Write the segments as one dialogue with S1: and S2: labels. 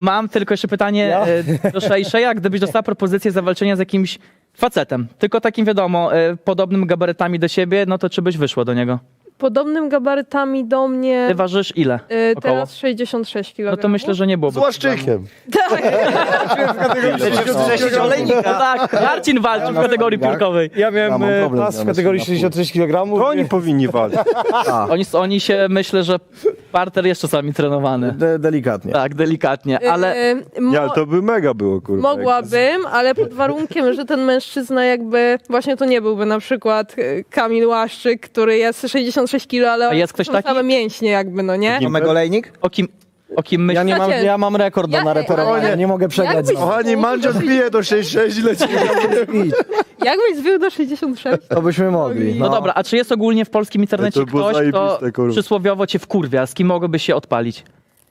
S1: Mam tylko jeszcze pytanie do Szejszeja. Gdybyś dostała propozycję zawalczenia z jakimś facetem, tylko takim wiadomo, podobnym gabarytami do siebie, no to czy byś wyszło do niego?
S2: Podobnym gabarytami do mnie.
S1: Ty ważysz ile? Około?
S2: Teraz 66 kg.
S1: No to myślę, że nie byłoby.
S3: Z łaszczykiem.
S2: Tak.
S1: No tak, Marcin walczył w kategorii piórkowej.
S4: Ja miałem
S3: mam problem
S4: pas
S3: z
S4: w kategorii 63 kg.
S5: To oni powinni walczyć.
S1: Oni się, myślę, że parter jest czasami trenowany.
S3: Delikatnie.
S1: Tak, delikatnie, ale
S5: Nie, ale to by mega było, kurwa.
S2: Mogłabym, ale pod warunkiem, że ten mężczyzna jakby, właśnie to nie byłby na przykład Kamil Łaszczyk, który jest 66 kg, ale
S1: jest ktoś
S2: są
S1: taki?
S2: same mięśnie jakby, no nie?
S3: Mamy olejnik?
S1: o kim myślisz?
S4: Ja mam rekord do nareperowania, nie mogę przegrać
S2: Jakbyś-
S4: z nim.
S5: Kochani, Mandzio zbije do 6-6 i leci.
S2: Jakbyś zwił do 66?
S4: To byśmy mogli.
S1: No dobra, a czy jest ogólnie w polskim internecie
S5: To było
S1: ktoś, kto
S5: zajebiste, kurwa.
S1: przysłowiowo cię wkurwia, z kim mogłoby się odpalić?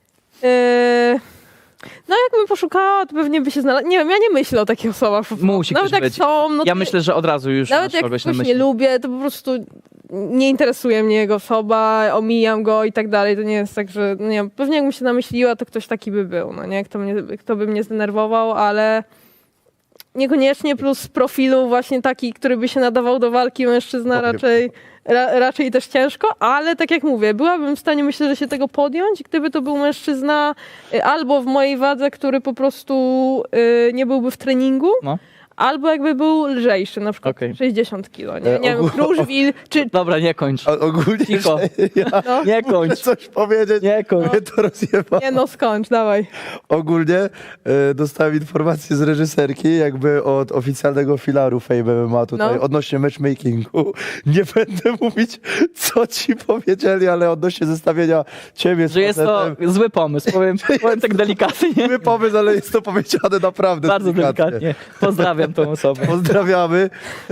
S2: No jakbym poszukała, to pewnie by się znalazł. Nie wiem, ja nie myślę o takich osobach.
S1: Musi
S2: Nawet
S1: ktoś
S2: jak
S1: być.
S2: są, no
S1: Ja
S2: to
S1: myślę, że od razu już
S2: nawet
S1: masz
S2: jak
S1: kogoś na
S2: ktoś
S1: myśli.
S2: nie lubię, to po prostu nie interesuje mnie jego osoba, omijam go i tak dalej. To nie jest tak, że no nie wiem, pewnie jakbym się namyśliła, to ktoś taki by był, no nie? Kto by mnie zdenerwował, ale niekoniecznie plus z profilu właśnie taki, który by się nadawał do walki mężczyzna raczej też ciężko, ale tak jak mówię, byłabym w stanie, myślę, że się tego podjąć, gdyby to był mężczyzna albo w mojej wadze, który po prostu nie byłby w treningu,
S1: No.
S2: albo jakby był lżejszy, na przykład
S1: Okej.
S2: 60 kilo, nie wiem, Kruszwil, czy
S1: Dobra, nie kończ.
S3: Ogólnie,
S1: Cicho.
S2: no,
S1: Nie kończ.
S3: coś powiedzieć,
S1: Nie kończ.
S3: mnie to rozjeba.
S2: nie no, skończ, dawaj.
S3: Ogólnie dostałem informację z reżyserki, jakby od oficjalnego filaru Fame MMA tutaj,
S2: No.
S3: odnośnie matchmakingu. Nie będę mówić, co ci powiedzieli, ale odnośnie zestawienia ciebie z
S1: Że jest to
S3: facetem.
S1: zły pomysł, powiem tak delikatnie.
S3: Zły pomysł, ale jest to powiedziane naprawdę
S1: Bardzo
S3: delikatnie.
S1: delikatnie. Pozdrawiam tą osobę.
S3: Pozdrawiamy.